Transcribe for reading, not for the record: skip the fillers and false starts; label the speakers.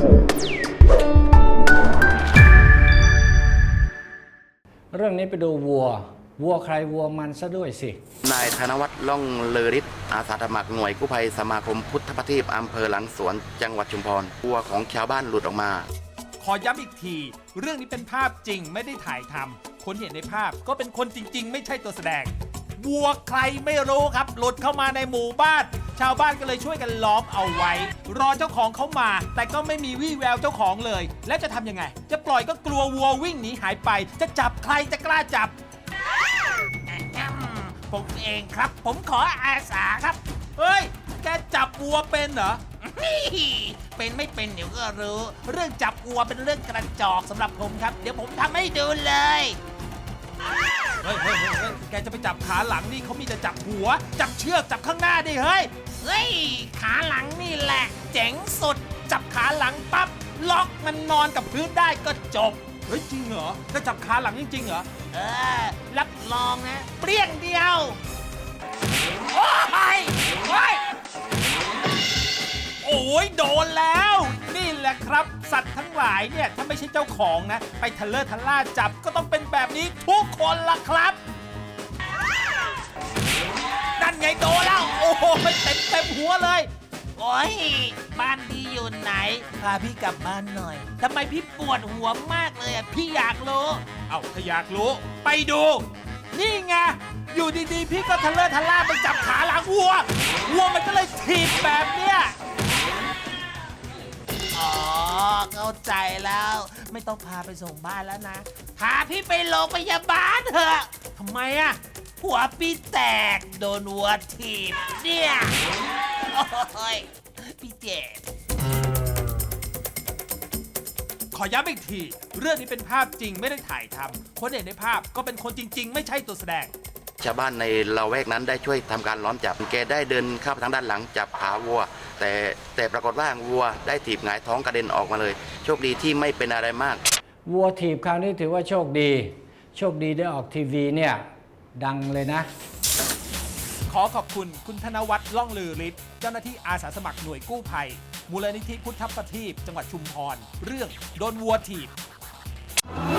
Speaker 1: เรื่องนี้ไปดูวัวใครวัวมันซะด้วยสิ
Speaker 2: นายธนวัฒน์ล่องเลอฤทธิ์อาสาสมัครหน่วยกู้ภัยสมาคมพุทธประทีปอำเภอหลังสวนจังหวัดชุมพรวัวของชาวบ้านหลุดออกมา
Speaker 3: ขอย้ำอีกทีเรื่องนี้เป็นภาพจริงไม่ได้ถ่ายทำคนเห็นในภาพก็เป็นคนจริงๆไม่ใช่ตัวแสดงวัวใครไม่รู้ครับหลุดเข้ามาในหมู่บ้านชาวบ้านก็เลยช่วยกันล้อมเอาไว้รอเจ้าของเขามาแต่ก็ไม่มีวี่แววเจ้าของเลยแล้วจะทำยังไงจะปล่อยก็กลัววัววิ่งหนีหายไปจะจับใครจะกล้าจับผมเองครับผมขออาสาครับเฮ้ยแกจับวัวเป็นเหรอเป็นไม่เป็นเดี๋ยวก็รู้เรื่องจับวัวเป็นเรื่องกระจอกสำหรับผมครับเดี๋ยวผมทำให้ดูเลยเฮ้ยแกจะไปจับขาหลังนี่เขามีแต่จับหัวจับเชือกจับข้างหน้าดิเฮ้ยขาหลังนี่แหละเจ๋งสุดจับขาหลังปั๊บล็อกมันนอนกับพื้นได้ก็จบเฮ้ยจริงเหรอจะจับขาหลังจริงๆเหรอรับรองนะเปรี้ยงเดียวโอ้ยโดนแล้วนี่แหละครับสัตว์ทั้งหลายเนี่ยถ้าไม่ใช่เจ้าของนะไปทะเลาะทะล่าจับก็ต้องเป็นแบบนี้ทุกคนล่ะครับนั่นไงโดนแล้วโอ้โหเต็มหัวเลยโอ้ยบ้านพี่อยู่ไหนพาพี่กลับบ้านหน่อยทำไมพี่ปวดหัวมากเลยอ่ะพี่อยากรู้ถ้าอยากรู้ไปดูนี่ไงอยู่ดีๆพี่ก็ทะเลาะทะล่าไปจับขาหลังวัวมันก็เลยถีบแบบเนี้ยเข้าใจแล้วไม่ต้องพาไปส่งบ้านแล้วนะพาพี่ไปโรงพยาบาลเถอะทำไมอ่ะหัวพี่แตกโดนวัวถีบเนี่ยโอ้ยพี่เจ็บขอย้ำอีกทีเรื่องนี้เป็นภาพจริงไม่ได้ถ่ายทำคนเห็นในภาพก็เป็นคนจริงๆไม่ใช่ตัวแสดง
Speaker 2: ชาวบ้านในละแวกนั้นได้ช่วยทำการล้อมจับแกได้เดินเข้าไปทางด้านหลังจับขาวัวแต่ปรากฏว่าวัวได้ถีบหงายท้องกระเด็นออกมาเลยโชคดีที่ไม่เป็นอะไรมาก
Speaker 1: วัวถีบคราวนี้ถือว่าโชคดีได้ออกทีวีเนี่ยดังเลยนะ
Speaker 3: ขอขอบคุณคุณธนวัฒน์ล่องลือฤทธิ์เจ้าหน้าที่อาสาสมัครหน่วยกู้ภัยมูลนิธิพุทธประทีปจังหวัดชุมพรเรื่องโดนวัวถีบ